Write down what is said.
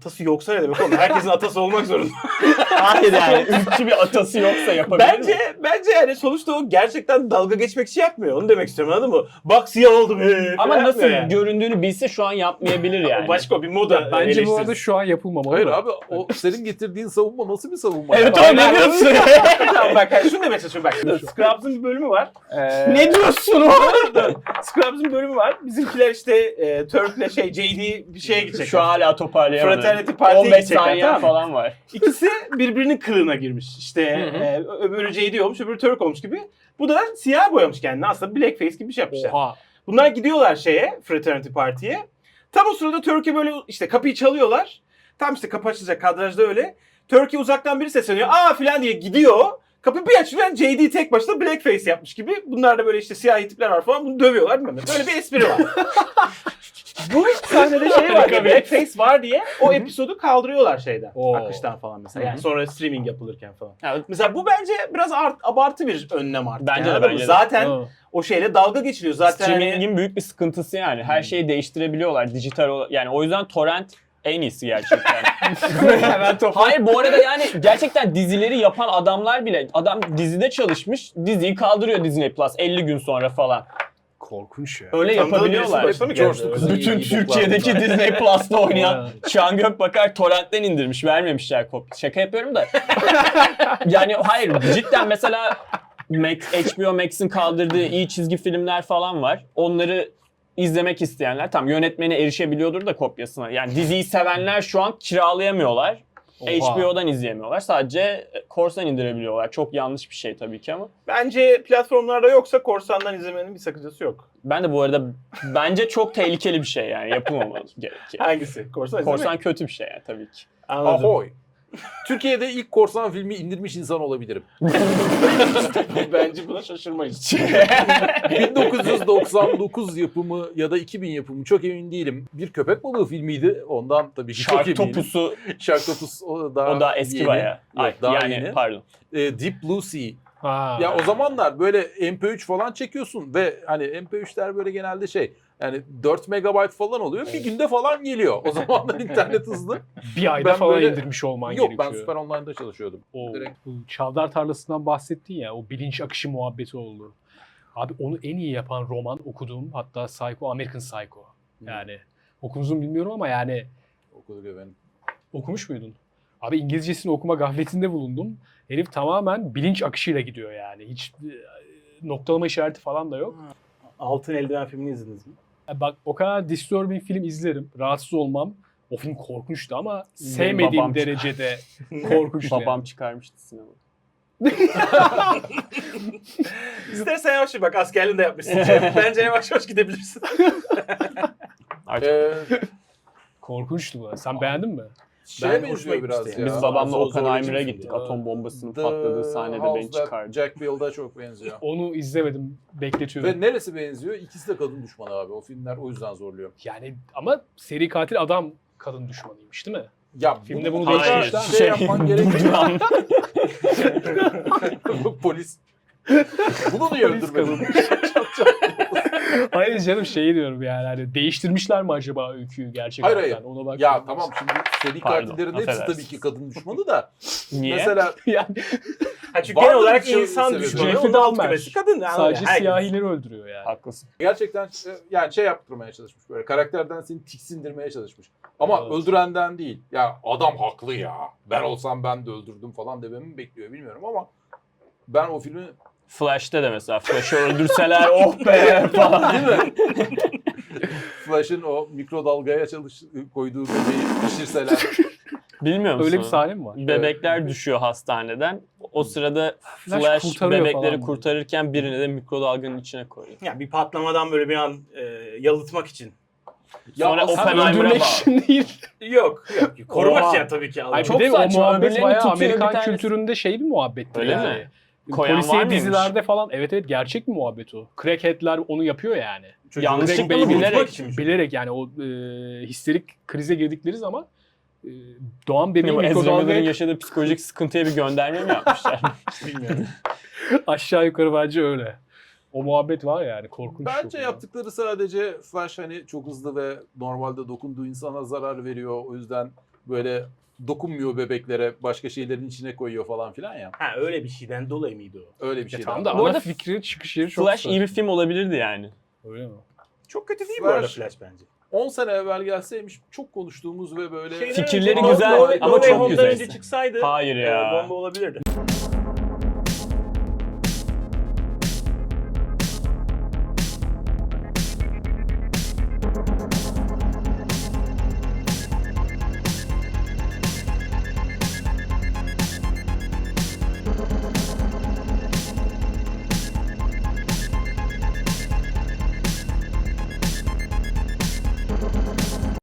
Atası yoksa ne demek oğlum? Herkesin atası olmak zorunda. Hayır yani ırkçı bir atası yoksa yapabilir mi? Bence yani sonuçta o gerçekten dalga geçmek için yapmıyor. Onu demek istiyorum, anladın mı? Bak siyah oldu be. Ama nasıl yani. göründüğünü bilse şu an yapmayabilir yani. Başka bir moda Bence bu eleştirisi. arada şu an yapılmamalı. Hayır da. abi o senin getirdiğin savunma nasıl bir savunma? Evet ya? o ne diyorsun? Tamam bak şunu demeye çalışıyorum bak. Scrubs'ın bir bölümü var. Ne diyorsun o? Scrubs'ın bir bölümü var. Bizimkiler işte Turk'le JD bir şeye gidecek. Şu hala toparlayamadım. Fraternity Party'ye 15 gidecekler, saniye tamam mı? falan var. İkisi birbirinin kılığına girmiş. İşte öbürü JD olmuş, öbürü Turk olmuş gibi. Bu da siyah boyamış kendini. Aslında blackface gibi bir şey yapmışlar. Oha. Bunlar gidiyorlar Fraternity Party'ye. Tam o sırada Turkey böyle işte kapıyı çalıyorlar. Tam işte kapı açılacak, kadrajda öyle. Turkey uzaktan biri sesleniyor. Aa filan diye gidiyor. Kapı bir açılıyor. JD tek başına blackface yapmış gibi. Bunlar da böyle işte siyahi tipler var falan. Bunu dövüyorlar bilmem ne. Böyle bir espri var. Bu sahnede şey var. Blackface var diye o episodu kaldırıyorlar Oo. akıştan falan mesela. Yani sonra streaming yapılırken falan. Evet. Mesela bu bence biraz abartı bir önlem artık. Bence de, anladın mı? bence de. Zaten Ha. o şeyle dalga geçiliyor. Zaten hani- Streaming'in büyük bir sıkıntısı yani. Her şeyi değiştirebiliyorlar dijital yani o yüzden torrent en iyisi gerçekten. Hayır bu arada yani gerçekten dizileri yapan adamlar bile adam dizide çalışmış, diziyi kaldırıyor Disney Plus 50 gün sonra falan. Korkunç ya. Öyle Tanıdığın yapabiliyorlar. birisi başına mı geldi? Coştu kızı. Bütün İyi Türkiye'deki boklar Disney Plus'ta oynayan Evet. Şahan Gökbakar torrentten indirmiş, vermemişler kopya. Şaka yapıyorum da. Yani hayır cidden mesela HBO Max'in kaldırdığı iyi çizgi filmler falan var. Onları izlemek isteyenler tam yönetmeni erişebiliyordur da kopyasına. Yani diziyi sevenler şu an kiralayamıyorlar. Oha. HBO'dan izleyemiyorlar. Sadece korsan indirebiliyorlar. Çok yanlış bir şey tabii ki ama. Bence platformlarda yoksa korsandan izlemenin bir sakıncası yok. Ben de bu arada bence çok tehlikeli bir şey yani yapılmamalı gerekiyor. Hangisi? Korsan Korsan izlemek. kötü bir şey yani tabii ki. Anladım. Ahoy. Türkiye'de ilk korsan filmi indirmiş insan olabilirim. Bence buna şaşırmayız. 1999 yapımı ya da 2000 yapımı çok emin değilim. Bir köpek balığı filmiydi. Ondan tabii ki çok Şark eminim. topusu Shark Topus o daha eski yeni. bayağı. Yok, Ay, daha yani yeni. pardon. Deep Blue Sea. Ha. Ya o zamanlar böyle MP3 falan çekiyorsun ve hani MP3'ler böyle genelde şey yani 4 megabayt falan oluyor. Bir günde falan geliyor. O zamanlar internet hızlı. Bir ayda Ben falan böyle- indirmiş olman Yok gerekiyor. ben Süper Online'da çalışıyordum. O Direkt. bu Çavdar Tarlası'ndan bahsettin ya, o bilinç akışı muhabbeti oldu. Abi onu en iyi yapan roman okuduğum, hatta American Psycho. Yani okudunuz mu bilmiyorum ama yani Okuduk efendim. okumuş muydun? Abi İngilizcesini okuma gafletinde bulundum. Herif tamamen bilinç akışıyla gidiyor yani. Hiç noktalama işareti falan da yok. Altın Eldiven filmini izlediniz mi? Bak o kadar disturbing film izlerim. Rahatsız olmam. O film korkunçtu ama babam sevmediğim derecede korkunçtu. Babam çıkarmıştı sinemada. İstersen yavaş bak, askerliğini de yapmışsın. Bence yavaş yavaş gidebilirsin. Artık Korkunçtu bu. Sen beğendin mi? Şeye Ben hoşuma benziyor biraz gitmişti ya. biz babamla Zorlayıcı Oppenheimer'a bir gittik. film. Atom bombasının The patladığı sahnede House beni That çıkardı. Jack Bill'da çok benziyor. Onu izlemedim. Bekletiyorum. Ve neresi benziyor? İkisi de kadın düşmanı abi. O filmler o yüzden zorluyor. Yani ama seri katil adam kadın düşmanıymış değil mi? Ya Filmde bunu mutlaka değiştirmişler. şey yapman gerekiyor. durduran. Polis. Bunu niye Polis öldürmedin? Hayır canım şey diyorum yani hani değiştirmişler mi acaba öyküyü gerçekten? Hayır, hayır. Ona bak. Ya tamam şimdi seri Pardon, katillerin hepsi affedersin. tabii ki kadın düşmanı da. Niye? Mesela yani Ha, çünkü Var genel mı olarak bir şey insan sebebi? düşmanı. Jeffrey Onun alt Dahmer. kümesi kadın. sadece Herkes. siyahileri öldürüyor yani. Haklısın. gerçekten yani şey yaptırmaya çalışmış böyle. Karakterden seni tiksindirmeye çalışmış. Ama Evet. öldürenden değil. Ya adam haklı ya. Ben olsam ben de öldürdüm falan dememi bekliyor bilmiyorum ama ben o filmi Flash'te de mesela Flash'ı öldürseler oh be falan. değil mi? Flash'ın o mikrodalgaya koyduğu bebeği pişirseler. Bilmiyor musun? Öyle bir sahne mi var? Bebekler düşüyor hastaneden. O sırada Flash Flash kurtarıyor bebekleri falan. kurtarırken birini de mikrodalganın içine koyuyor. Ya bir patlamadan böyle bir an yalıtmak için. Sonra aslında Oppenheimer'a Öldürmek bağlı. için değil. Yok. Korumak Oha. için tabii ki. Ay Çok bir de saçma, o muhabbet öbürlerini bayağı tutuyor, bir Amerikan tanesi- kültüründe şey bir muhabbettir Öyle yani. mi? Koyan var Polisiye mıymış? dizilerde falan evet gerçek bir muhabbet o. Crackhead'ler onu yapıyor yani. Yanlışlıkla Direkt mı beyin bilerek? unutmak için. Bilerek yani o histerik krize girdikleri zaman doğan bebeği Bu Ezra Miller'ın mikrodalgaya yaşadığı psikolojik sıkıntıya bir gönderme mi yapmışlar? Bilmiyorum. aşağı yukarı bence öyle. O muhabbet var yani korkunç. Bence çok. yaptıkları sadece Flash hani çok hızlı ve normalde dokunduğu insana zarar veriyor. O yüzden böyle dokunmuyor bebeklere, başka şeylerin içine koyuyor falan filan ya. Ha öyle bir şeyden dolayı mıydı o? Öyle bir şey. Tam da Bu ana arada fikri çıkış yeri çok Flash iyi bir saçma. film olabilirdi yani. Öyle mi? Çok kötü değil bu arada Flash- Flash bence. 10 sene evvel gelseymiş çok konuştuğumuz ve böyle Fikirleri önce, güzel No Way ama çok Home'dan güzel. önce çıksaydı Hayır ya. bomba olabilirdi.